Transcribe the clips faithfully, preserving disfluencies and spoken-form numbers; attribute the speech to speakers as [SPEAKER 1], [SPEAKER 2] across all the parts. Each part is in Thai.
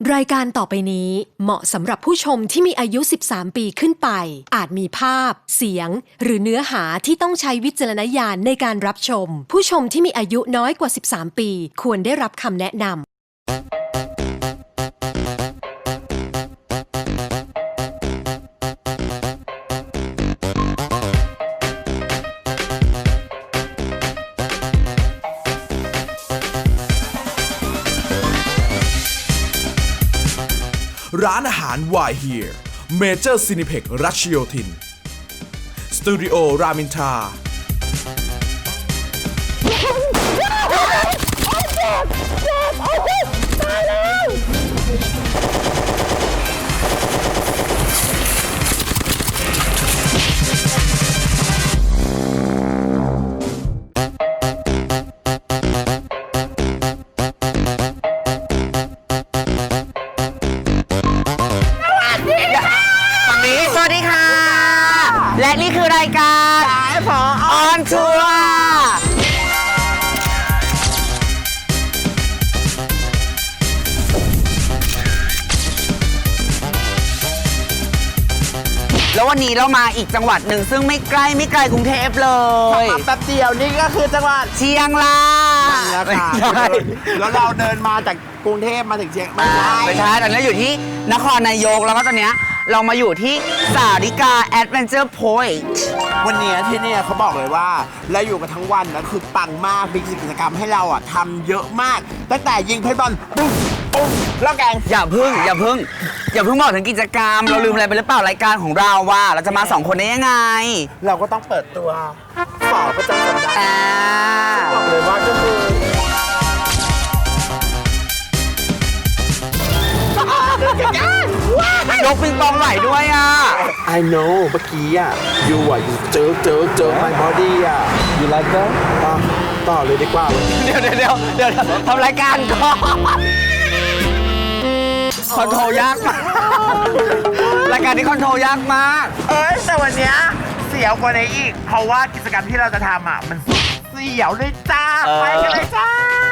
[SPEAKER 1] รายการต่อไปนี้เหมาะสำหรับผู้ชมที่มีอายุ สิบสาม ปีขึ้นไปอาจมีภาพเสียงหรือเนื้อหาที่ต้องใช้วิจารณญาณในการรับชมผู้ชมที่มีอายุน้อยกว่า สิบสาม ปีควรได้รับคำแนะนำ
[SPEAKER 2] ร้านอาหาร Why Here Major Cineplex รัชโยธินสตูดิโอรามินทรา
[SPEAKER 3] สวัสดีค่ะและนี่คือรายการสายฝอออนทัวร์แล้ววันนี้เรามาอีกจังหวัดหนึ่งซึ่งไม่ใกล้ไม่ไกลกรุงเทพเลย
[SPEAKER 4] มาแป๊บเดียวนี่ก็คือจังหวัด
[SPEAKER 3] เชียงราย
[SPEAKER 4] นะคะแล้วเราเดินมาจากกรุงเทพมาถึงเชียงไม่ใช่
[SPEAKER 3] ไม่ใช่ตอนนี้อยู่ที่นครนายกแล้วก็ตอนนี้เรามาอยู่ที่สาริกาแอดเวนเจอร์พอยต์
[SPEAKER 4] วันนี้ที่นี่เขาบอกเลยว่าเราอยู่กันทั้งวันนะคือปังมากมีกิจกรรมให้เราอ่ะทำเยอะมากตั้งแต่ยิงเพชรบอลปุ๊บปุ๊บแล้วแกง
[SPEAKER 3] อย่าพึ่งอย่าพึ่งอย่าพึ่งบอกถึงกิจกรรมเราลืมอะไรไปหรือเปล่ารายการของเราว่าเราจะมาสองคนได้ยังไง
[SPEAKER 4] เราก็ต้องเปิดตัวฝอประจำสัปดาห์
[SPEAKER 3] อ่า
[SPEAKER 4] บอกเลยว่าก็คื
[SPEAKER 3] อยกปิงปองไหลด้วยอ่ะ
[SPEAKER 4] I know เมื่อกี้อ่ะ you อ่ะ you เจอเจอเจอ my body อ่ะ you like that ต่อต่อเลยดีกว่า
[SPEAKER 3] เดี๋ยวเดี๋ยวเดี๋ยวเดี๋ยวทำรายการก่อนคอนโทรลยากมากรายการนี้คอนโทรลยากมาก
[SPEAKER 4] เอ้ยแต่วันเนี้ยเสียวกว่านี้อีกเพราะว่ากิจกรรมที่เราจะทำอ่ะมันเสียวเลยจ้าไปกันเลยจ้า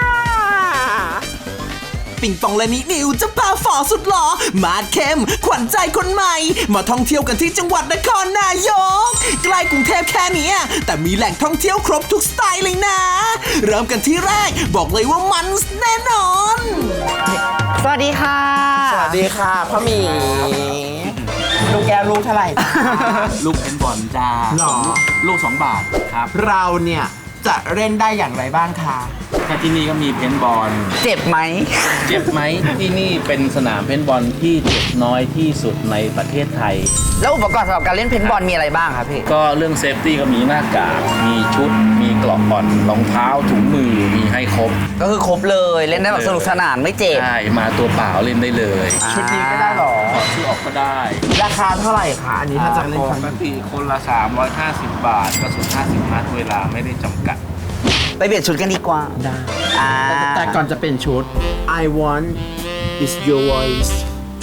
[SPEAKER 2] ปิงปองและนินิวจะพาฝอสุดหล่อมาดเข้มขวัญใจคนใหม่มาท่องเที่ยวกันที่จังหวัดนครนายกใกล้กรุงเทพแค่นี้แต่มีแหล่งท่องเที่ยวครบทุกสไตล์เลยนะเริ่มกันที่แรกบอกเลยว่ามันแน่นอน
[SPEAKER 3] สวัสดีค่ะ
[SPEAKER 4] สวัสดีค่ะพ่อหมีลูกแก้วลูกเท่าไหร่
[SPEAKER 5] ลูกเพนบอลจ้าลูกสองบาทครับ
[SPEAKER 4] เราเนี่ยจะเล่นได้อย่างไรบ้างคะ
[SPEAKER 5] ถ้าที่นี่ก็มีเพนบอล
[SPEAKER 3] เจ็บไหม
[SPEAKER 5] เจ็บไหมที่นี่เป็นสนามเพนบอลที่เจ็บน้อยที่สุดในประเทศไทย
[SPEAKER 3] แล้วอุปกรณ์สำหรับการเล่นเพนบอลมีอะไรบ้างครับพี่
[SPEAKER 5] ก็เรื่องเซฟตี้ก็มีหน้ากากมีชุดมีกล่องบอลรองเท้าถุงมือมีให้ครบ
[SPEAKER 3] ก็คือครบเลยเล่นได้แบบสนุกสนานไม่เจ็บ
[SPEAKER 5] ใช่มาตัวเปล่าเล่นได้เลย
[SPEAKER 4] ชุดนี้ก็ได้หรอ
[SPEAKER 5] ชุดออกก็ได้
[SPEAKER 4] ราคาเท่าไหร่คะอันนี้ถ้าจะเล่น
[SPEAKER 5] ปกติคนละสามร้อยห้าสิบบาทกระสุนห้าสิบนัดเวลาไม่ได้จำกัด
[SPEAKER 3] ไปเปลี่ยนชุดกันดีกว่า
[SPEAKER 4] ได้แต่ก่อนจะเป็นชุด I want is your voice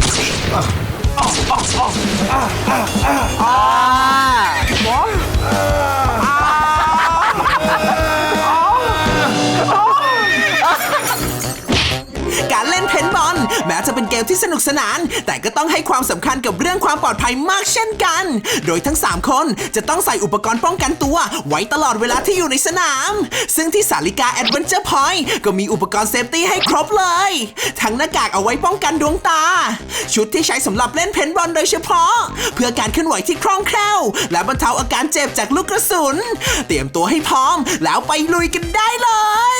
[SPEAKER 2] การเล่นเพนบอลแม้จะเป็นเกมที่สนุกสนานแต่ก็ต้องให้ความสำคัญกับเรื่องความปลอดภัยมากเช่นกันโดยทั้งสามคนจะต้องใส่อุปกรณ์ป้องกันตัวไว้ตลอดเวลาที่อยู่ในสนามซึ่งที่สาริกาแอดเวนเจอร์พอยต์ก็มีอุปกรณ์เซฟตี้ให้ครบเลยทั้งหน้ากากเอาไว้ป้องกันดวงตาชุดที่ใช้สำหรับเล่นเพนบอลโดยเฉพาะเพื่อการเคลื่อนไหวที่คล่องแคล่วและบรรเทาอาการเจ็บจากลูกกระสุนเตรียมตัวให้พร้อมแล้วไปลุยกันได้เลย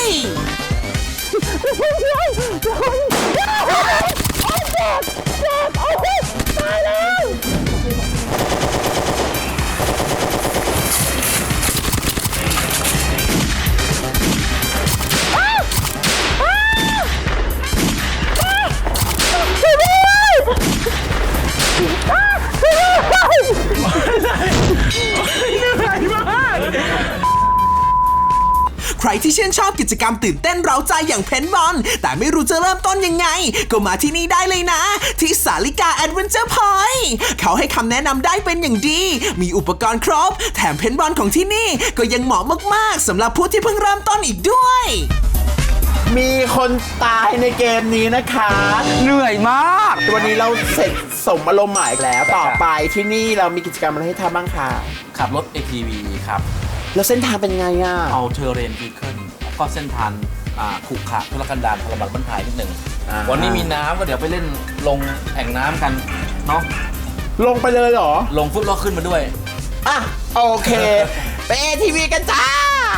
[SPEAKER 2] ใครที่ชื่นชอบกิจกรรมตื่นเต้นเร้าใจอย่างเพนบอลแต่ไม่รู้จะเริ่มต้นยังไงก็มาที่นี่ได้เลยนะที่สาริกาแอดเวนเจอร์พอยต์เขาให้คำแนะนำได้เป็นอย่างดีมีอุปกรณ์ครบแถมเพนบอลของที่นี่ก็ยังเหมาะมากๆสำหรับผู้ที่เพิ่งเริ่มต้นอีกด้วย
[SPEAKER 4] มีคนตายในเกมนี้นะคะ
[SPEAKER 3] เหนื่อยมาก
[SPEAKER 4] วันนี้เราเสร็จสมอารมณ์หมายแล้วต่อไปที่นี่เรามีกิจกรรมอะไรให้ทำบ้างคะ
[SPEAKER 5] ขับรถ เอ ที วี ครับ
[SPEAKER 4] แล้วเส้นทางเป็นไงอ่ะ
[SPEAKER 5] เอาเทอร์เรนวีเคิลก็เส้นทางอ่าขรุขระทุรกันดารทรมานบรรทายนิดหนึ่ง
[SPEAKER 4] อ่า
[SPEAKER 5] วันนี้มีน้ำก็เดี๋ยวไปเล่นลงแอ่งน้ำกันเนาะ
[SPEAKER 4] ลงไปเลยเหรอ
[SPEAKER 5] ลงฟุตล็อกขึ้นมาด้วย
[SPEAKER 4] อ่ะ โอเค ไป เอ ที วี กันจ้า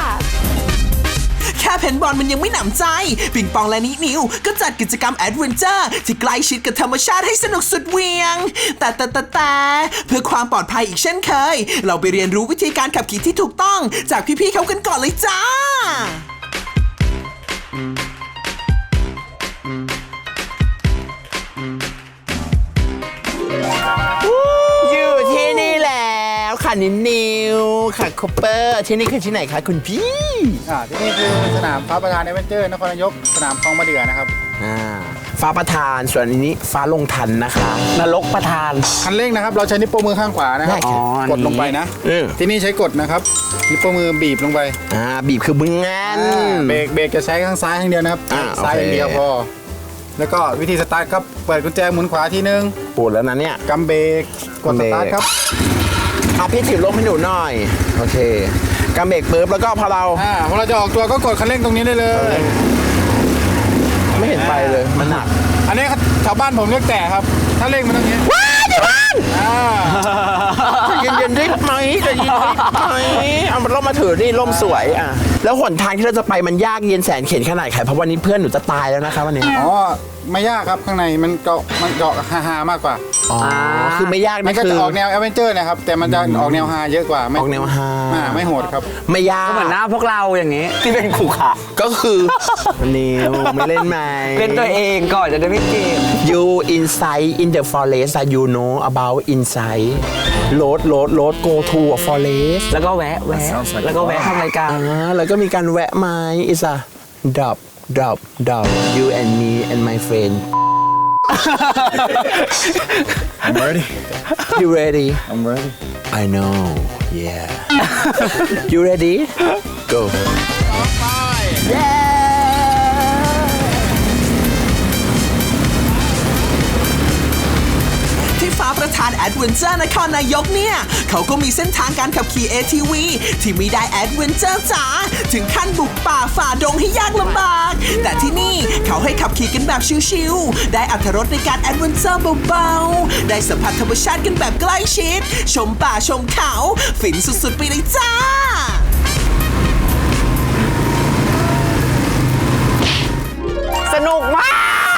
[SPEAKER 2] แค่เพนบอลมันยังไม่หนำใจ ปิงปองและนินิวก็จัดกิจกรรมแอดเวนเจอร์ที่ใกล้ชิดกับธรรมชาติให้สนุกสุดเหวียง แต่แต่แต่แต่เพื่อความปลอดภัยอีกเช่นเคย เราไปเรียนรู้วิธีการขับขี่ที่ถูกต้อง จากพี่ๆเขากันก่อนเลยจ้า
[SPEAKER 4] อยู่ที่นี่แล้วค่ะนินิวค่ะคอปเปอร์ที่นี่คือที่ไหนคะคุณพี่
[SPEAKER 6] อ่าที่นี่คือสนามฟ้าประธานเอเวนเจอร์นครนายกสนามคลองมะเดื่อนะครับ
[SPEAKER 4] อ่าฟ้าประธานส่วนอันนี้ฟ้าลงทันนะคะ
[SPEAKER 3] นรกประทาน
[SPEAKER 6] คันเร่งนะครับเราใช้นิ้วโป้งมือข้างขวานะครับ
[SPEAKER 4] ได้ครับ
[SPEAKER 6] กดลงไปนะ
[SPEAKER 4] เออ
[SPEAKER 6] ที่นี่ใช้กดนะครับนิ้วโป้งมือบีบลงไป
[SPEAKER 4] อ่าบีบคือบึงงาน
[SPEAKER 6] อ่าเบรกเบรกจะใช้ข้างซ้ายข้างเดียวนะครับ
[SPEAKER 4] อ่า
[SPEAKER 6] ซ้าย
[SPEAKER 4] โอเค
[SPEAKER 6] อย่างเดียวพอแล้วก็วิธีสตาร์ทครับเปิดกุญแจหมุนขวาทีนึง
[SPEAKER 4] ปวดแล้วนะเนี่ย
[SPEAKER 6] กำเบรกกดสตาร์ทครับ
[SPEAKER 4] อ่ะพี่ถือลมให้หนูหน่อยโอเคกำเบรกปุ๊บแล้วก็พอเรา
[SPEAKER 6] อ่าพอเราจะออกตัวก็กดคันเร่งตรงนี้ได้เลย
[SPEAKER 4] ไม่เห็นไปเลยมันหนัก
[SPEAKER 6] อันนี้ชาวบ้านผมเรียกแต่ครับ ถ้าเร่งมันตรงนี้
[SPEAKER 4] ว้ายเดี๋ยวมัน
[SPEAKER 6] อ่า
[SPEAKER 4] เย็นๆได้ไหมจะเย็นได้ไหมเอามันล่มมาถือนี่ล่มสวยอ่ะแล้วหนทางที่เราจะไปมันยากเย็นแสนเข็ญขนาดไหนเพราะวันนี้เพื่อนหนูจะตายแล้วนะคะวันนี้
[SPEAKER 6] อ๋อไม่ยากครับข้างในมันเกาะมันเกาะฮาๆมากกว่า
[SPEAKER 4] อ๋อคือไม่ยาก
[SPEAKER 6] มั
[SPEAKER 4] นะ
[SPEAKER 6] นก็
[SPEAKER 4] คื
[SPEAKER 6] จะ
[SPEAKER 4] อ
[SPEAKER 6] ออกแนวแอดเวนเจอร์นะครับแต่มันจะออกแนวฮาเยอะกว่าไม่
[SPEAKER 4] ออกแนวฮา
[SPEAKER 6] อ่าไม่โหดครับ
[SPEAKER 4] ไม่ยาก
[SPEAKER 3] ก็เหมือนหน้าพวกเราอย่างนี้ ที่เป็นขู่ขา
[SPEAKER 4] ก็คือนิวไม่เล่นไหม
[SPEAKER 3] เป็นตัวเองก่อนจะได้ไม่เกม
[SPEAKER 4] You inside in the forest that you know about inside road road road go to a forest
[SPEAKER 3] แล้วก็แวะแวะแล้วก็แวะทำรายการ
[SPEAKER 4] อ่าแล้วก็มีการแวะไม้ is a drop drop drop you and me and my friend
[SPEAKER 6] I'm ready
[SPEAKER 4] you ready
[SPEAKER 6] I'm ready
[SPEAKER 4] I know yeah you ready go yeah
[SPEAKER 2] ที่ฟ้าประธานแอดเวนเจอร์นครนายกเนี่ย เขาก็มีเส้นทางการขับขี่ เอ ที วี ที่มีได้แอดเวนเจอร์จ๋าถึงขั้นบุกป่าฝ่าดงให้ยากลำบาก แต่ที่นี่เขาให้ขับขี่กันแบบชิลๆได้อรรถรสในการแอดเวนเจอร์เบาๆ ได้สัมผัสธรรมชาติกันแบบใกล้ชิด ชมป่าชมเขา ฟินสุดๆไปเลยจ้า
[SPEAKER 3] สนุกมาก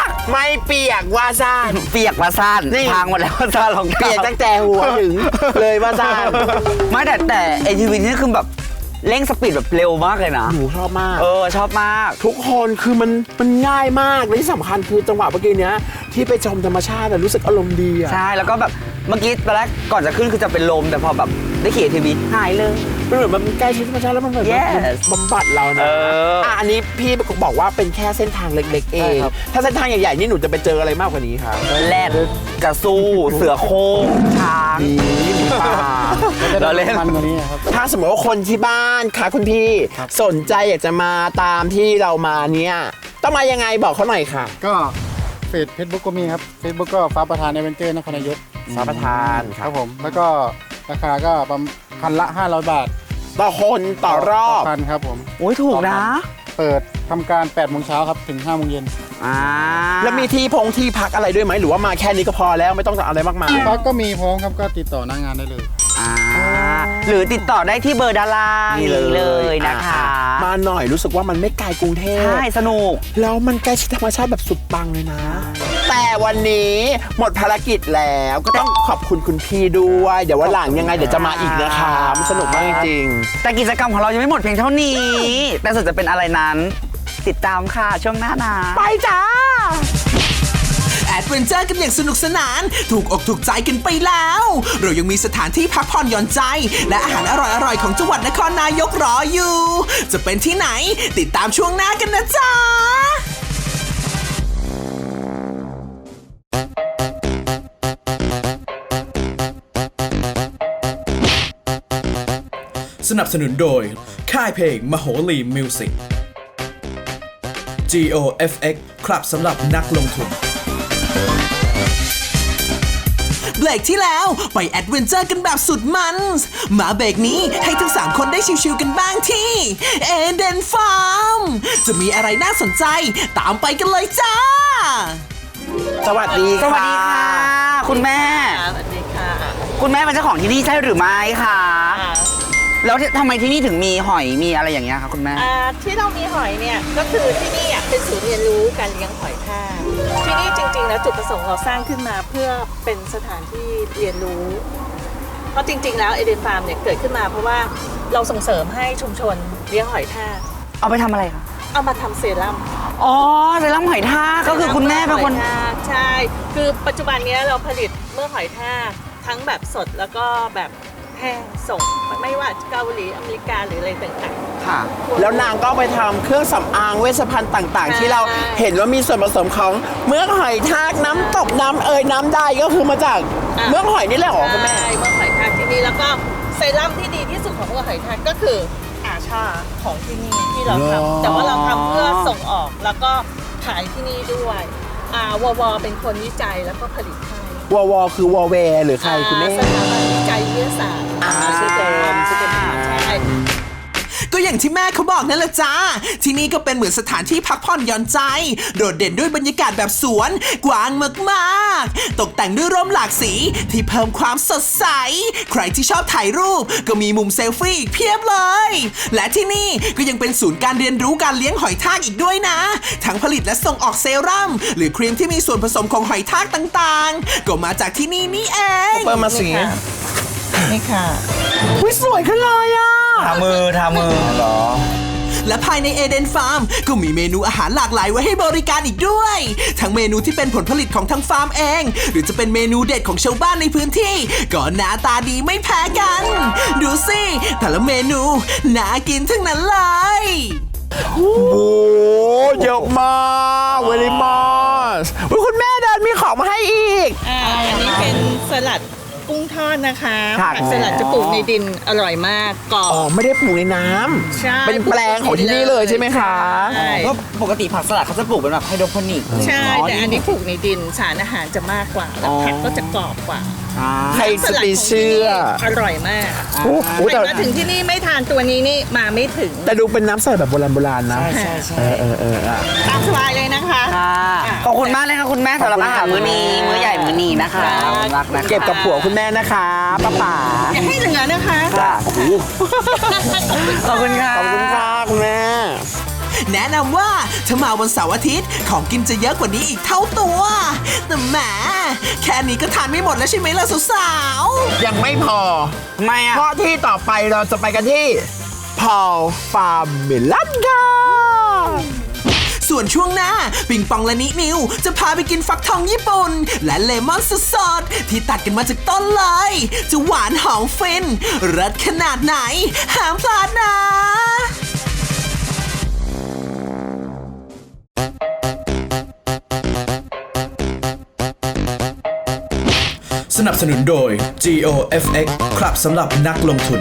[SPEAKER 4] ไม่เปียกว่าซ่าน
[SPEAKER 3] เปียกมาซ่าน
[SPEAKER 4] นี่
[SPEAKER 3] ทางหมดแล้วว่าซ่านรองเท้า
[SPEAKER 4] เปียกตั้งแต่หัวถึงเลยว่าซ่าน
[SPEAKER 3] ไม่แต่แต่เอทีวีนี่คือแบบเร่งสปีดแบบเร็วมากเลยนะ
[SPEAKER 4] หนูชอบมาก
[SPEAKER 3] เออชอบมาก
[SPEAKER 4] ทุกคนคือมันมันง่ายมากและที่สำคัญคือจังหวะเมื่อกี้เนี้ยที่ไปชมธรรมชาติอะรู้สึกอารมณ์ดีอะ
[SPEAKER 3] ใช่แล้วก็แบบเมื่อกี้ตอนแรกก่อนจะขึ้นคือจะเป็นลมแต่พอแบบได้ขี่ทีวีหายเลย
[SPEAKER 4] มันเหมือนมันใกล้ชิดธรรมชาติแล้วมันเหมือน
[SPEAKER 3] Yes
[SPEAKER 4] มันบำบัดเรานะ
[SPEAKER 3] เอออ่
[SPEAKER 4] ะอันนี้พี่บอกว่าเป็นแค่เส้นทางเล็กๆเอง
[SPEAKER 6] ใช่ครับ
[SPEAKER 4] ถ้าเส้นทางใหญ่ๆนี่หนูจะไปเจออะไรมากกว่านี้ครับ
[SPEAKER 3] แรดกระสู้เสือโคร่งช้าง
[SPEAKER 4] มีมีป่า
[SPEAKER 3] เราเล่น
[SPEAKER 6] มันกว่านี้ครับ
[SPEAKER 4] ถ้าสมมติว่าคนที่บ้านค่ะคุณพี่
[SPEAKER 6] ครับ
[SPEAKER 4] สนใจอยากจะมาตามที่เรามาเนี่ยต้องมายังไงบอกเขาหน่อยค่ะ
[SPEAKER 6] ก็เฟซเฟซบุ๊กก็มีครับเฟซบุ๊กก็ฟ้าประธานเอเวนเจอร์นครนายก
[SPEAKER 4] ฟ้าประธาน
[SPEAKER 6] ครับผมแล้วก็ราคาก็ประมาณคันละห้าร้อยบาท
[SPEAKER 4] ต่อคนต่อรอบ
[SPEAKER 6] คันครับผม
[SPEAKER 3] โอ้ยถูกนะ
[SPEAKER 6] เปิดทำการแปดโมงเช้าครับถึงห้าโมงเย็น
[SPEAKER 3] อ่า
[SPEAKER 4] แล้วมีที่พงที่พักอะไรด้วยไหมหรือว่ามาแค่นี้ก็พอแล้วไม่ต้องอะไรมากมาย
[SPEAKER 6] พักก็มีพร้อมครับก็ติดต่อหน้างานได้เลย
[SPEAKER 3] อ่าหรือติดต่อได้ที่เบอร์ด้านล่างนี้เลยนะคะ
[SPEAKER 4] อ่มาหน่อยรู้สึกว่ามันไม่ไกลกรุงเทพ
[SPEAKER 3] ใช่สนุก
[SPEAKER 4] แล้วมันใกล้ชิดธรรมชาติแบบสุดปังเลยนะ แต่วันนี้หมดภารกิจแล้วก็ต้องขอบคุณคุณพี่ด้วย เดี๋ยววันหลังยังไงเดี๋ยวจะมาอีกนะคะมันสนุกมากจริง
[SPEAKER 3] แต่กิจกรรมของเรายังไม่หมดเพียงเท่านี้ แต่สุดจะเป็นอะไรนั้น ติดตามค่ะช่วงหน้านะ
[SPEAKER 4] ไปจ้า
[SPEAKER 2] แอดเวนเจอร์กันอย่างสนุกสนาน ถูกอกถูกใจกันไปแล้ว เรายังมีสถานที่พักผ่อนหย่อนใจ และอาหารอร่อยๆ ของจังหวัดนครนายกรออยู่ จะเป็นที่ไหน ติดตามช่วงหน้ากันนะจ๊ะ
[SPEAKER 7] สนับสนุนโดยค่ายเพลงมโหรีมิวสิกจี โอ เอฟ เอ็กซ์ ครับสำหรับนักลงทุน
[SPEAKER 2] เบรกที่แล้วไปแอดเวนเจอร์กันแบบสุดมันส์มาเบรกนี้ให้ทั้งสามคนได้ชิวๆกันบ้างที่เอเดนฟาร์มจะมีอะไรน่าสนใจตามไปกันเลยจ้า
[SPEAKER 4] สวัสดี
[SPEAKER 3] ส
[SPEAKER 4] ค่ะ
[SPEAKER 3] วัสดีค่ะ คุณแม่
[SPEAKER 8] สวัสดีค่ะ
[SPEAKER 3] คุณแม่เป็นเจ้าของที่นี่ใช่หรือไม่คะแล้วทำไมที่นี่ถึงมีหอยมีอะไรอย่างเงี้ยคะคุณแม่
[SPEAKER 8] อ่าที่เรามีหอยเนี่ยก็คือที่นี่อ่ะเป็นศูนย์เรียนรู้การเลี้ยงหอยทากที่นี่จริงๆแล้วจุดประสงค์เราสร้างขึ้นมาเพื่อเป็นสถานที่เรียนรู้ เพราะจริงๆแล้วเอเดนฟาร์มเนี่ยเกิดขึ้นมาเพราะว่าเราส่งเสริมให้ชุมชนเลี้ยงหอยทาก
[SPEAKER 3] เอาไปทำอะไรคะ
[SPEAKER 8] เอามาทำเซรั่ม
[SPEAKER 3] อ๋อเซรั่มหอยทากก็คือคุณแม่เป็นคน
[SPEAKER 8] หอยทากใช่ คือปัจจุบันเนี้ยเราผลิตเมื่อหอยทากทั้งแบบสดแล้วก็แบบแห้งส่งไม่ว่าเกาหลีอเมริกาหรืออะไรต่างๆ
[SPEAKER 3] ค่ะ
[SPEAKER 4] แล้วนางก็ไปทำเครื่องสำอางเวชภัณฑ์ต่างๆ ที่เรา
[SPEAKER 8] ใช่
[SPEAKER 4] เห็นว่ามีส่วนผสมของเมือกหอยทากน้ำตกน้ำเอยน้ำได้ก็คือมาจาก
[SPEAKER 8] อ่ะ
[SPEAKER 4] เมือกหอยนี่แหละเหรอคุณแม่
[SPEAKER 8] ใช่เมื่อหอยทากที่นี่แล้วก็เซรั่มที่ดีที่สุดของเมื่อหอยทากก็คืออาชาของที่นี่ที่เรา
[SPEAKER 4] เหรอ
[SPEAKER 8] ทำแต่ว่าเราทำเพื่อส่งออกแล้วก็ขายที่นี่ด้วยอ่าววเป็นคนวิจัยแล้วก็ผลิตให้
[SPEAKER 4] วอวอคือวอแวร์หรือใครคุณแม่
[SPEAKER 8] อ่าสถาบันวิจัยวิทยาศาสตร์
[SPEAKER 4] อ่าชื่อเต็มชื่อเต็ม
[SPEAKER 8] ใช่
[SPEAKER 2] ก็อย่างที่แม่เขาบอกนั่นแหละจ้า ที่นี่ก็เป็นเหมือนสถานที่พักผ่อนหย่อนใจ โดดเด่นด้วยบรรยากาศแบบสวนกว้างมากๆ ตกแต่งด้วยร่มหลากสีที่เพิ่มความสดใส ใครที่ชอบถ่ายรูปก็มีมุมเซลฟี่อีกเพียบเลย และที่นี่ก็ยังเป็นศูนย์การเรียนรู้การเลี้ยงหอยทากอีกด้วยนะ ทั้งผลิตและส่งออกเซรั่มหรือครีมที่มีส่วนผสมของหอยทากต่างๆ ก็มาจากที่นี่นี่เอง
[SPEAKER 4] เปิดมาสี
[SPEAKER 8] นี่ค่ะ
[SPEAKER 4] อุ้ยสวยขึ้นเลยอ่ะ
[SPEAKER 3] ทามือทามือเหรอ
[SPEAKER 2] และภายในเอเดนฟาร์มก็มีเมนูอาหารหลากหลายไว้ให้บริการอีกด้วย ทั้งเมนูที่เป็นผลผลิตของทางฟาร์มเอง หรือจะเป็นเมนูเด็ดของชาวบ้านในพื้นที่ ก็หน้าตาดีไม่แพ้กัน ดูสิแต่ละเมนูน่ากินทั้งนั้นเลย
[SPEAKER 4] โอ้โหเยอะมากเวลิมอสคุณแม่เดินมีของมาให้อีก
[SPEAKER 8] อ่าอันนี้เป็นสลัดกุ้งทอดนะคะ
[SPEAKER 4] ค่ะ
[SPEAKER 8] ผักสลัดจะปลูกในดินอร่อยมากกรอบ
[SPEAKER 4] อ๋อไม่ได้ปลูกในน้ำ
[SPEAKER 8] ใช่
[SPEAKER 4] เป็นแปลงของที่นี่เลยใช่ไหมคะ
[SPEAKER 8] ใช่
[SPEAKER 3] ก็ปกติผักสลัดเขาจะปลูกเป็นแบบไฮโดรโปนิก
[SPEAKER 8] ใช่แต่อันนี้ปลูกในดินสารอาหารจะมากกว่า แล้วผักก็จะกรอบกว่า
[SPEAKER 4] ใครจะไปเชื่อ
[SPEAKER 8] อร่อยมาก
[SPEAKER 4] โอ้โหแต่
[SPEAKER 8] แต่มาถึงที่นี่ไม่ทานตัวนี้นี่มาไม่ถึง
[SPEAKER 4] แต่ดูเป็นน้ำใสแบบโบราณโบราณนะ
[SPEAKER 3] ใช่ใช่ใช่
[SPEAKER 4] เออเออเอออ่ะ
[SPEAKER 8] ตามสบายเลยนะคะ
[SPEAKER 3] ค่ะขอบคุณมากเลยค่ะคุณแม่สำหรับอาหารมื้อนี้มื้อใหญ่มื้อนี้นะคะรักนะคะ
[SPEAKER 4] เก็บกับผัวคุณแม่นะคะป้าป๋า
[SPEAKER 8] อย่าให้เหลือนะคะ
[SPEAKER 4] จ้ะโอ้โห
[SPEAKER 3] ขอบคุณค่ะ
[SPEAKER 4] ขอบคุณค่ะคุณแม่
[SPEAKER 2] แนะนำว่าถ้ามาวันเสาร์อาทิตย์ของกินจะเยอะกว่านี้อีกเท่าตัว แต่แหมแค่นี้ก็ทานไม่หมดแล้วใช่ไหมล่ะสาว
[SPEAKER 4] ยังไม่พอ
[SPEAKER 3] ทำไมอ่ะ
[SPEAKER 4] เพราะที่ต่อไปเราจะไปกันที่พอลฟาร์มเมลันค่ะ
[SPEAKER 2] ๆส่วนช่วงหน้าปิงปองและนินิวจะพาไปกินฟักทองญี่ปุ่น และเลมอนสดๆที่ตัดกันมาจากต้นเลย จะหวานหอมฟินรสขนาดไหนห้ามพลาดนะ
[SPEAKER 7] สนับสนุนโดย จี โอ เอฟ เอ็กซ์ ครับสำหรับนักลงทุน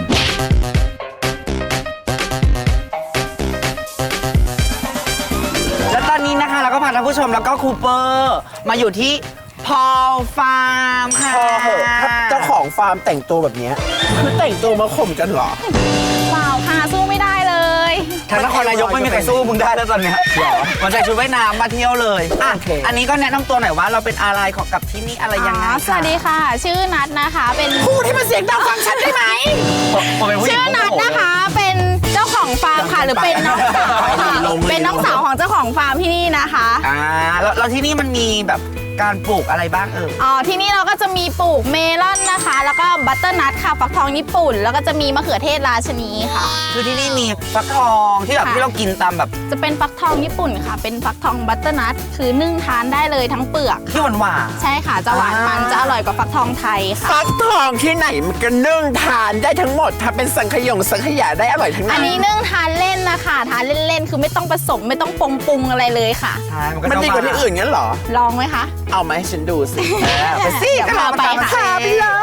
[SPEAKER 3] แล้วตอนนี้นะคะเราก็พาท่านผู้ชมแล้วก็คูเปอร์มาอยู่ที่พอลฟาร์มค่ะ
[SPEAKER 4] พอเหอะถ้าเจ้าของฟาร์มแต่งตัวแบบเนี้ยคือแต่งตัวมาข่มกันเหรอ
[SPEAKER 9] เปล่าค่ะสู้ไม่ได้เลย
[SPEAKER 3] ทางนครนายกไม่มีใครสู้มึงได้แล้วตอนเนี้ยหรอมันใส่ชุดว่ายน้ำมาเที่ยวเลยอ่ะ
[SPEAKER 4] โอเค
[SPEAKER 3] อันนี้ก็แนะนำตัวหน่อยว่าเราเป็นอะไรของกับที่นี่อะไรยังไง
[SPEAKER 9] อ๋อสวัสดีค่ะ ชื่อนัทนะคะ เป็น
[SPEAKER 4] พูดให้มันเสียงดังฟังฉันได้ไหม
[SPEAKER 3] ผมเป็นผู้หญิ
[SPEAKER 9] ชื่
[SPEAKER 3] ง
[SPEAKER 9] อนัทนะคะ เป็นเจ้าของฟาร์มค่ะ หรือเป็นน้องสาวค่ะ เป็นน้องสาวของเจ้าของฟาร์มที่นี่นะคะ
[SPEAKER 3] อ่าแล้วแล้วที่นี่มันมีแบบการปลูกอะไรบ้างเออ
[SPEAKER 9] อ๋อ ที่นี่เราก็จะมีปลูกเมลอนนะคะ แล้วก็บัตเตอร์นัทค่ะ ฟักทองญี่ปุ่น แล้วก็จะมีมะเขือเทศราชนีค่ะ
[SPEAKER 3] คือที่นี่มีฟักทองที่แบบ
[SPEAKER 9] ค่ะ
[SPEAKER 3] ที่เรากินตามแบบ
[SPEAKER 9] จะเป็นฟักทองญี่ปุ่นค่ะ เป็นฟักทองบัตเตอร์นัท คือนึ่งทานได้เลยทั้งเปลือก
[SPEAKER 3] ที่หวานหวาน
[SPEAKER 9] ใช่ค่ะ จะหวานมัน จะอร่อยกว่าฟักทองไทยค่ะ
[SPEAKER 4] ฟักทองที่ไหนมันก็นึ่งทานได้ทั้งหมด ถ้าเป็นสังขยงสังขยาได้อร่อยทั้ง
[SPEAKER 9] อั
[SPEAKER 4] นั้น น
[SPEAKER 9] นี้นึ่งทานเล่นนะคะ ทานเล่นๆ คือไม่ต้องผสมไม่ต้องปรุงปรุงอะไรเลยค่ะ
[SPEAKER 3] ใช่มันก็
[SPEAKER 4] มันดีกว่าที่อื่นงั้นเหรอ
[SPEAKER 9] ลองไหมคะ
[SPEAKER 4] เอามาให้ฉันดูสิ
[SPEAKER 3] เออไปสิ
[SPEAKER 9] เดี๋ยวพาไปค่ะ
[SPEAKER 4] พาไปเลย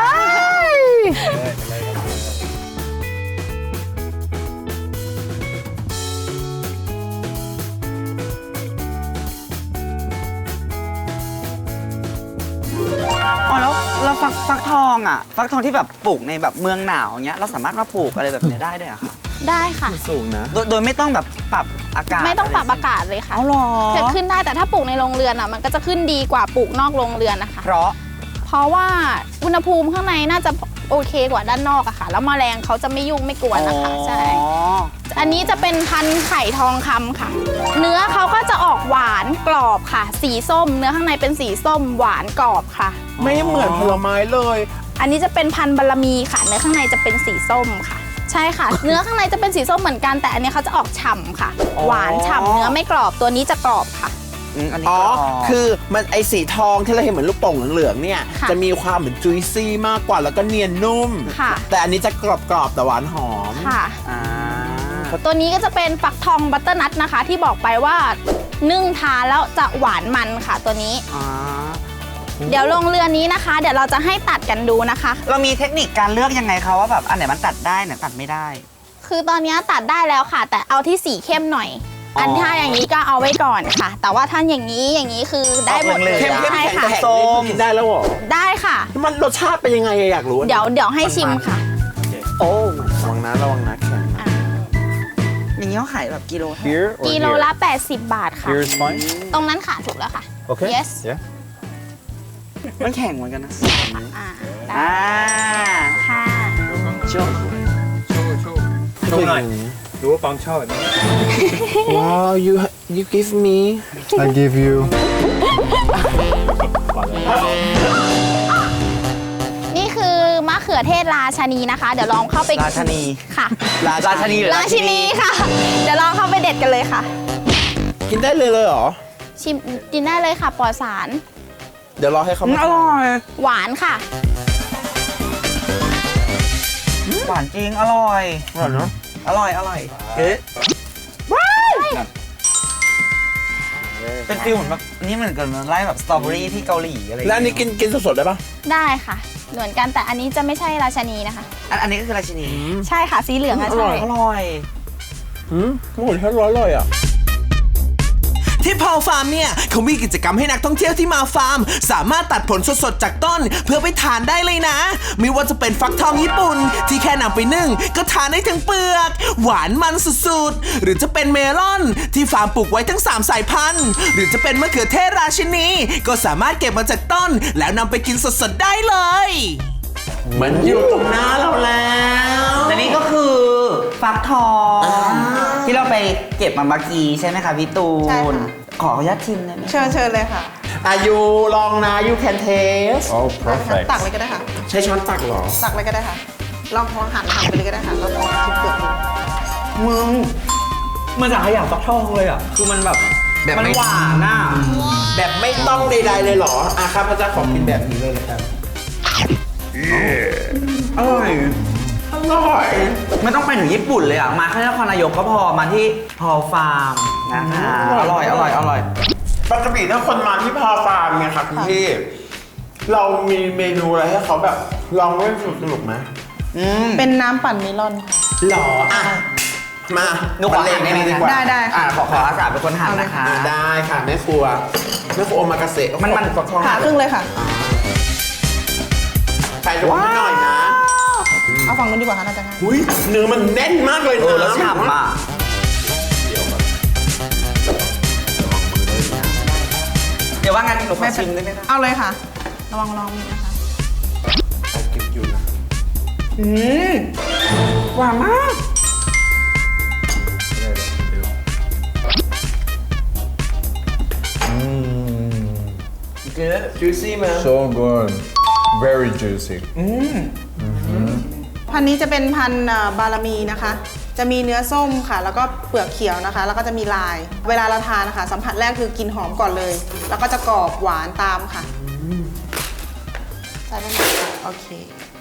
[SPEAKER 3] อแล้วฟักฟักทองอ่ะ ฟักทองที่แบบปลูกในแบบเมืองหนาวเงี้ยเราสามารถมาปลูกอะไรแบบเนี้ยได้ด้วยเหรอคะ
[SPEAKER 9] ได้ค่ะ
[SPEAKER 4] สูงนะ
[SPEAKER 3] โดยโดยไม่ต้องแบบปรับอากาศ
[SPEAKER 9] ไม่ต้องปรับอากาศเลยค่ะ
[SPEAKER 3] เอาหรอ
[SPEAKER 9] จะขึ้นได้แต่ถ้าปลูกในโรงเรือนอ่ะมันก็จะขึ้นดีกว่าปลูกนอกโรงเรือนนะคะ
[SPEAKER 3] เพราะ
[SPEAKER 9] เพราะว่าอุณหภูมิข้างในน่าจะโอเคกว่าด้านนอกอะค่ะ แล้วแมลงเขาจะไม่ยุ่งไม่กวนนะคะใช่
[SPEAKER 3] อ๋อ
[SPEAKER 9] อันนี้จะเป็นพันธุ์ไข่ทองคำค่ะ เนื้อเขาก็จะออกหวานกรอบค่ะ สีส้ม เนื้อข้างในเป็นสีส้มหวานกรอบค่ะ
[SPEAKER 4] ไม่เหมือนผลไม้เลย
[SPEAKER 9] อันนี้จะเป็นพันธุ์บารมีค่ะ เนื้อข้างในจะเป็นสีส้มค่ะ ใช่ค่ะ เนื้อข้างในจะเป็นสีส้มเหมือนกันแต่อันนี้เขาจะออกฉ่ำค่ะ หวานฉ่ำเนื้อไม่กรอบตัวนี้จะกรอบค่ะ
[SPEAKER 3] อืมอันนี้
[SPEAKER 4] อ๋อ
[SPEAKER 3] ก็
[SPEAKER 4] คือมันไอสีทองที่เราเห็นเหมือนลูกโป่งเหลืองๆเนี่ย
[SPEAKER 9] ค่ะ
[SPEAKER 4] จะมีความเหมือนจุยซี่มากกว่าแล้วก็เนียนนุ่ม
[SPEAKER 9] ค่ะ
[SPEAKER 4] แต่อันนี้จะกรอบๆแต่หวานหอม
[SPEAKER 9] ค่ะ
[SPEAKER 3] อ่า
[SPEAKER 9] ตัวนี้ก็จะเป็นฟักทองบัตเตอร์นัทนะคะ ที่บอกไปว่านึ่งทานแล้วจะหวานมันค่ะตัวนี้
[SPEAKER 3] อ่า
[SPEAKER 9] เดี๋ยวลงเรือนนี้นะคะ เดี๋ยวเราจะให้ตัดกันดูนะคะ
[SPEAKER 3] เรามีเทคนิคการเลือกยังไงคะว่าแบบอันไหนมันตัดได้ไหนตัดไม่ได้
[SPEAKER 9] คือตอนนี้ตัดได้แล้วค่ะ แต่เอาที่สีเข้มหน่อย
[SPEAKER 3] อ๋ออั
[SPEAKER 9] อันถ้าอย่างนี้ก็เอาไว้ก่อนค่ะ แต่ว่าถ้าอย่างนี้อย่างนี้คือได้หมดเลย
[SPEAKER 3] เข้มๆ
[SPEAKER 9] ใช่ค่ะ
[SPEAKER 4] แข็งๆนี่คือกินได้แล้วเหรอ
[SPEAKER 9] ได้ค่ะ
[SPEAKER 4] มันรสชาติเป็นยังไงอะอยากรู้อะ
[SPEAKER 9] เดี๋ยวเดี๋ยวให้ชิมค่ะ
[SPEAKER 4] โอ้ระวังนะระวังนะแข็งนะ
[SPEAKER 3] อย่างนี้เขาขายแบบกิโลเท่าไหร่
[SPEAKER 6] Here or
[SPEAKER 9] กิโล
[SPEAKER 6] here?
[SPEAKER 9] ละ แปดสิบบาทค่ะ
[SPEAKER 6] Here is fine.
[SPEAKER 9] ตรงนั้นค่ะถูกแล้วค่ะ
[SPEAKER 6] Okay.
[SPEAKER 9] yes
[SPEAKER 6] Yeah.
[SPEAKER 3] มันแข็งเหมือนกันนะ
[SPEAKER 9] อ่า
[SPEAKER 3] อ่า
[SPEAKER 9] ค่ะ
[SPEAKER 3] โช่ว
[SPEAKER 6] โชว์หน่อยดูว่าปองชอบแบบนี้
[SPEAKER 4] ว้าว you you give me
[SPEAKER 6] I give you
[SPEAKER 9] นี่คือมะเขือเทศราชานีนะคะ เดี๋ยวลองเข้าไป
[SPEAKER 3] ราชนี
[SPEAKER 9] ค่ะ
[SPEAKER 3] ราชนีหรือ
[SPEAKER 9] ราชินีค่ะ เดี๋ยวลองเข้าไปเด็ดกันเลยค่ะ
[SPEAKER 4] กินได้เลยเลยเหรอ
[SPEAKER 9] ชิมกินได้เลยค่ะปลอดสาร
[SPEAKER 4] เดี๋ยวรอให้เขา
[SPEAKER 3] อืม
[SPEAKER 4] มา
[SPEAKER 3] อร่อย
[SPEAKER 9] หวานค่ะ
[SPEAKER 3] หวานจริง อร่อย
[SPEAKER 4] อร่อยเนาะ
[SPEAKER 3] อร่อย อร่อยเฮ้ยเป็นฟิลเหมือนแบบอันนี่เหมือนกันไล่แบบสตรอเบอรี่ที่เกาหลีอะไร
[SPEAKER 4] แล้วอันนี้กินกินสดๆได้ปะ
[SPEAKER 9] ได้ค่ะ เหมือนกันแต่อันนี้จะไม่ใช่ราชานีนะคะ
[SPEAKER 3] อันอันนี้ก็คือราชินี
[SPEAKER 9] ใช่ค่ะสีเหลืองอะ
[SPEAKER 3] อ
[SPEAKER 9] ใช่
[SPEAKER 3] ร่อย อร่อย
[SPEAKER 4] อืมโอ้โหแค่ร้อยเลยอ่ะ
[SPEAKER 2] ที่พอลฟาร์มเนี่ยเขามีกิจกรรมให้นักท่องเที่ยวที่มาฟาร์ม สามารถตัดผลสดๆจากต้นเพื่อไปทานได้เลยนะ ไม่ว่าจะเป็นฟักทองญี่ปุ่น ที่แค่นำไปนึ่งก็ทานได้ทั้งเปลือก หวานมันสุดๆ หรือจะเป็นเมลอน ที่ฟาร์มปลูกไว้ทั้งสามสายพันธุ์ หรือจะเป็นมะเขือเทศราชินี ก็สามารถเก็บมาจากต้น แล้วนำไปกินสดๆได้เลย
[SPEAKER 4] มันอยู่ตรงหน้าเราแล้ว
[SPEAKER 3] และนี่ก็คือฟักทอง ที่เราไปเก็บมาเมื่อกี้ใช่ไหมคะพี่ตู
[SPEAKER 8] ใช่
[SPEAKER 3] น
[SPEAKER 8] ค่ะ
[SPEAKER 3] ขออนุญาตชิมได้ไหม
[SPEAKER 8] เชิญเชิญเลยค่ะ
[SPEAKER 4] อายุลองนะ you can taste
[SPEAKER 6] Oh perfect
[SPEAKER 8] ตักเลยก็ได้ค่ะ
[SPEAKER 4] ใช้ช้อนตักเหรอ
[SPEAKER 8] ตักเลยก็ได้ค่ะ ลองลองหั่นหั่นไปเลยก็ได้ค่ะแล้วลองชิมเปลือกดู
[SPEAKER 3] มึงมันจากขยะฟักทองเลยอ่ะ คือมันแบบ
[SPEAKER 4] แบบ
[SPEAKER 3] มัน
[SPEAKER 4] ไม่
[SPEAKER 3] หวานอ่ะ
[SPEAKER 4] แบบไม่ต้องใดๆเลยเหรออ่ะครับพระเจ้าขอกินแบบนี้เลยนะครับ
[SPEAKER 3] อร่อย
[SPEAKER 4] อร่อย
[SPEAKER 3] ไม่ต้องไปถึงญี่ปุ่นเลยอ่ะ มาแค่นครนายกก็พอ มาที่พอฟาร์มนะคะ อร่อย อร่อย อร่อย
[SPEAKER 4] ปกติถ้าคนมาที่พาฟาร์มไงครับคุณพี่ เรามีเมนูอะไรให้เขาแบบลองเล่นสนุกๆไหม
[SPEAKER 3] อืม
[SPEAKER 8] เป็นน้ำปั่นเมลอนค่ะ
[SPEAKER 4] หรออ่ะ มา
[SPEAKER 3] หนูขอหั่นได้ไหม
[SPEAKER 4] ดี
[SPEAKER 3] คะ
[SPEAKER 4] กว่า
[SPEAKER 8] ได้ได้
[SPEAKER 3] อ่าขอขออาสาเป็นคนหั่นนะคะ
[SPEAKER 4] อ่ะได้ค่ะแม่ครัวแม่ครัวโอมากาเสะ
[SPEAKER 3] มันมัน
[SPEAKER 4] ฟักทอง
[SPEAKER 8] ผ่าครึ่งเลยค่ะ
[SPEAKER 4] ใส่ลงนิดหน่อยนะ
[SPEAKER 8] เอาฝั่งนู้นดีกว่าค่ะน่าจะง่าย
[SPEAKER 4] อุ้ยเนื้อมันแน่นมากเลย
[SPEAKER 3] เอ
[SPEAKER 4] นะ
[SPEAKER 3] อแล้วฉ่ำอ่ะ เดี๋ยวว่างั้นหนูขอชิมได้ไหมคะ
[SPEAKER 8] เอาเลยค่ะ ระวังลองมีนะคะ
[SPEAKER 4] เก็บอยู่นะ
[SPEAKER 3] อืมหวานมาก
[SPEAKER 4] Good juicy man
[SPEAKER 6] so good very juicy
[SPEAKER 8] พันธุ์นี้จะเป็นพันธุ์เอ่อบารมีนะคะ จะมีเนื้อส้มค่ะ แล้วก็เปลือกเขียวนะคะ แล้วก็จะมีลาย เวลาเราทานนะคะ สัมผัสแรกคือกลิ่นหอมก่อนเลย แล้วก็จะกรอบหวานตามค่ะใส่ได้ไหมคะโอเค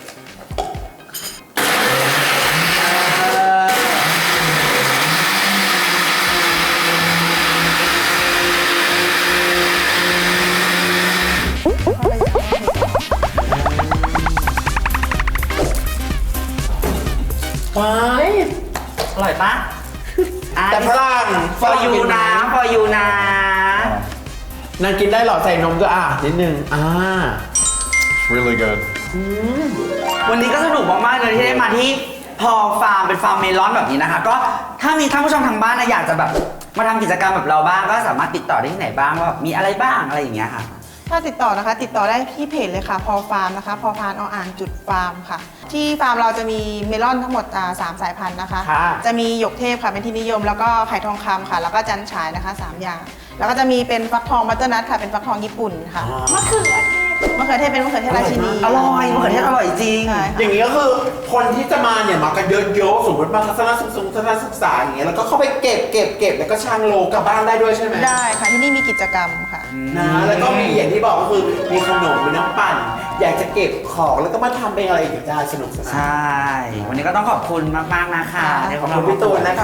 [SPEAKER 4] ว้าย
[SPEAKER 3] อร่อยปะ
[SPEAKER 4] แต่ฝรั่ง
[SPEAKER 3] ฟอยูนะฟอยูนะ
[SPEAKER 4] นางกินได้เหรอใส่นมก็อ่ะนิดนึงอ่า
[SPEAKER 10] really good.
[SPEAKER 3] วันนี้ก็สนุกมากๆเลยที่ได้มาที่พอฟาร์มเป็นฟาร์มเมลอนแบบนี้นะคะก็ถ้ามีท่านผู้ชมทางบ้านนะอยากจะแบบมาทำกิจกรรมแบบเราบ้างก็สามารถติดต่อได้ที่ไหนบ้างว่ามีอะไรบ้างอะไรอย่างเงี้ยค่ะ
[SPEAKER 11] ถ้าติดต่อนะคะติดต่อได้ที่เพจเลยค่ะพอฟาร์มนะคะพอพานออ่างจุดฟาร์มค่ะที่ฟาร์มเราจะมีเมลอนทั้งหมดอ่าสามสายพันธุ์นะคะ
[SPEAKER 3] ค่ะ
[SPEAKER 11] จะมีหยกเทพค่ะเป็นที่นิยมแล้วก็ไผ่ทองคำค่ะแล้วก็จันฉายนะคะสามอย่างแล้วก็จะมีเป็นฟักทองบัตเตอร์นัทค่ะเป็นฟักทองญี่ปุ่นค่ะมะเขือเทศมะเขือเทศเป็นมะเขือเทศราชินี
[SPEAKER 3] อร่อยมะเขือเทศอร่อยจริง
[SPEAKER 11] ใช่ค่ะ
[SPEAKER 4] อย่างนี้ก็คือคนที่จะมาเนี่ยมากันเยอะๆสมมติมาทัศนศึกษาทัศนศึกษาอย่างเงี้ยแล้วก็เข้าไปเก็บเก็บเก็บแล้วก็ช่างโลกลับบ้านได้ด้วยใช่ไหม
[SPEAKER 11] ได้ค่ะที่นี่มีกิจกรรมค่ะ
[SPEAKER 4] นะแล้วก็มีอย่างที่บอกก็คือมีขนมมีน้ำปั่น อยากจะเก็บของแล้วก็มาทำเป็นอะไรอีกได้สนุกสนาน
[SPEAKER 3] ใช่ วันนี้ก็ต้องขอบคุณมากๆนะคะ
[SPEAKER 4] ขอบคุณพี่ตูนนะคะ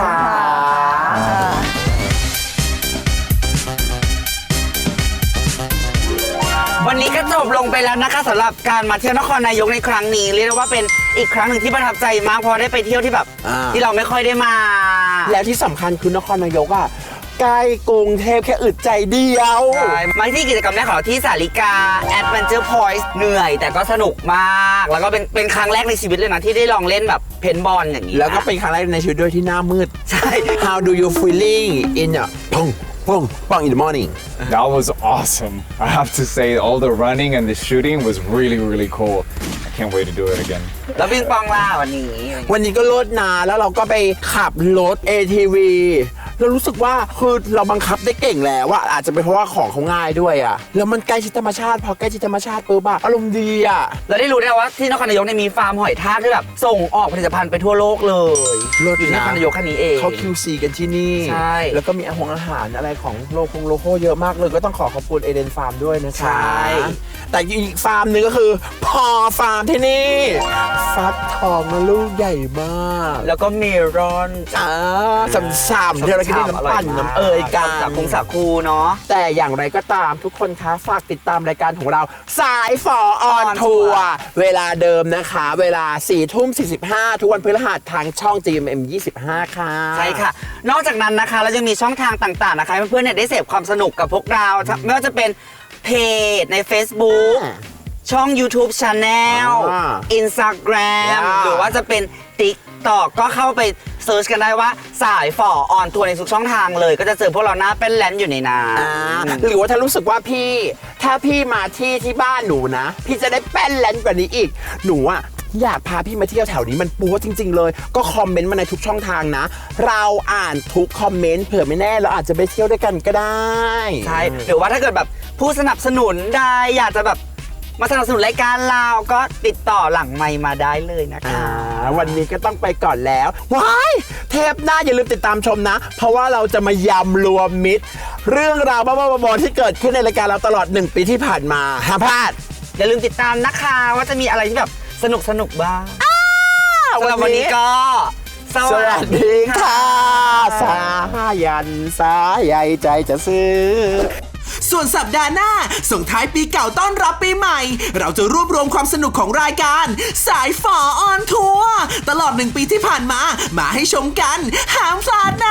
[SPEAKER 3] วันนี้ก็จบลงไปแล้วนะคะสำหรับการมาเที่ยวนครนายกในครั้งนี้เรียกได้ว่าเป็นอีกครั้งหนึ่งที่ประทับใจมากเพราะได้ไปเที่ยวที่แบบ
[SPEAKER 4] อ่า
[SPEAKER 3] ที่เราไม่ค่อยได้มา
[SPEAKER 4] แล้วที่สำคัญคือนครนายกอ่ะใกล้กรุงเทพแค่อึดใจเดียว
[SPEAKER 3] ใช่มาที่กิจกรรมแรกของเราที่สาริกา Adventure Point เหนื่อยแต่ก็สนุกมาก แล้วก็เป็นเป็นครั้งแรกในชีวิตเลยนะที่ได้ลองเล่นแบบเพนบอลอย่างนี้
[SPEAKER 4] แล้วก็เป็นครั้งแรกในชีวิตด้วยที่หน้ามืด
[SPEAKER 3] ใช่
[SPEAKER 4] How do you feeling in a pong pong pong in the morning
[SPEAKER 10] That was awesome. I have to say, all the running and the shooting was really, really cool. I can't wait to do it again.
[SPEAKER 3] แล้วปิงปองล่ะวันนี้
[SPEAKER 4] วันนี้ก็รถนาแล้วเราก็ไปขับรถ เอ ที วี เรารู้สึกว่าคือเราบังคับได้เก่งแล้วว่าอาจจะเป็นเพราะว่าของเขาง่ายด้วยอ่ะแล้วมันใกล้ชิดธรรมชาติพอใกล้ชิดธรรมชาติปุ๊บอะอารมณ์ดีอ่ะ
[SPEAKER 3] เราได้รู้ได้ว่าที่นครนายกเนี่ยมีฟาร์มหอยทากที่แบบส่งออกผลิตภัณฑ์ไปทั่วโลกเลย
[SPEAKER 4] เลิศ
[SPEAKER 3] อยู่ที่น
[SPEAKER 4] นะ
[SPEAKER 3] ครนายกแค่นี้เอง
[SPEAKER 4] เขา คิว ซี กันที่นี่
[SPEAKER 3] ใช่
[SPEAKER 4] แล้วก็มีอาหงอาหารอะไรของโลคงโลโก้เยอะมากเลยก็ต้องขอขอบคุณเอเดนฟาร์มด้วยนะคะ
[SPEAKER 3] ใช่
[SPEAKER 4] แต่อีกฟาร์มหนึ่งก็คือพอฟาร์มที่นี่ฟักทองนะลูกใหญ่มาก
[SPEAKER 3] แล้วก็เมลอน
[SPEAKER 4] อ่าสามๆที่เราคิดน้ำปั่นน้ำเอ่ยกัน
[SPEAKER 3] จากคงสาคูเนาะ
[SPEAKER 4] แต่อย่างไรก็ตามทุกคนคะฝากติดตามรายการของเราสายฝอออนทัวร์เวลาเดิมนะคะ เวลาสี่ทุ่มสี่สิบห้าทุกวันพฤหัสทางช่อง จี เอ็ม เอ็ม ยี่สิบห้า ค่ะ
[SPEAKER 3] ใช่ค่ะ นอกจากนั้นนะคะเรายังมีช่องทางต่างๆนะคะให้เพื่อนๆเนี่ยได้เสพความสนุกกับพวกเราไม่ว่าจะเป็นเพจใน Facebook ช่อง YouTube Channel
[SPEAKER 4] อ่า
[SPEAKER 3] Instagram
[SPEAKER 4] อ่า
[SPEAKER 3] หรือว่าจะเป็น TikTok ก็เข้าไปเซิร์ชกันได้ว่าสายฝ่อออนทัวร์ในทุกช่องทางเลย ก็จะเจอพวกเราหน้าเป็นแลนด์อยู่ในน้
[SPEAKER 4] อ่า
[SPEAKER 3] ำ
[SPEAKER 4] หรือว่าถ้ารู้สึกว่าพี่ ถ้าพี่มาที่ที่บ้านหนูนะ พี่จะได้แป้นแลนด์กว่านี้อีก หนูอะอยากพาพี่มาเที่ยวแถวนี้มันปัวจริง ๆ เลย ก็คอมเมนต์มาในทุกช่องทางนะ เราอ่านทุกคอมเมนต์เผื่อไม่แน่เราอาจจะไปเที่ยวด้วยกันก็ได้
[SPEAKER 3] ใช่หรือว่าถ้าเกิดแบบผู้สนับสนุนได้อยากจะแบบมาสนับสนุนรายการเราก็ติดต่อหลังไมค์มาได้เลยนะคะ
[SPEAKER 4] อ่าวันนี้ก็ต้องไปก่อนแล้วว้ายเทปหน้าอย่าลืมติดตามชมนะ เพราะว่าเราจะมายำรวมมิตร เรื่องราวบ้าๆบอๆที่เกิดขึ้นในรายการเราตลอดหนึ่งปีที่ผ่านมาห้ามพลาด
[SPEAKER 3] อย่าลืมติดตามนะคะว่าจะมีอะไรที่แบบสนุกสนุกๆบ้าง สำหรับ
[SPEAKER 4] วั
[SPEAKER 3] วัน น
[SPEAKER 4] นี้
[SPEAKER 3] นี้ก็ ส
[SPEAKER 4] ส
[SPEAKER 3] วั
[SPEAKER 4] วั
[SPEAKER 3] ส
[SPEAKER 4] ส
[SPEAKER 3] ดี
[SPEAKER 4] ดี
[SPEAKER 3] ค่ะ
[SPEAKER 4] ค่ะสายันสาใยใจจะซื้อ
[SPEAKER 2] ส่วนสัปดาห์หน้า ส่งท้ายปีเก่าต้อนรับปีใหม่ เราจะรวบรวมความสนุกของรายการ สายฝอออนทัวร์ตลอดหนึ่งปีที่ผ่านมา มาให้ชมกันห้ามพลาดนะ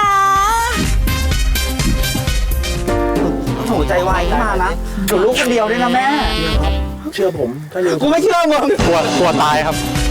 [SPEAKER 3] ถูกใจไวขึ้นมานะอยู่ลูกคนเดียวด้วยนะแม่
[SPEAKER 4] เชื่อผมถ้าลืม
[SPEAKER 3] กูไม่เชื่อมึง
[SPEAKER 6] กลัวกลัวตายครับ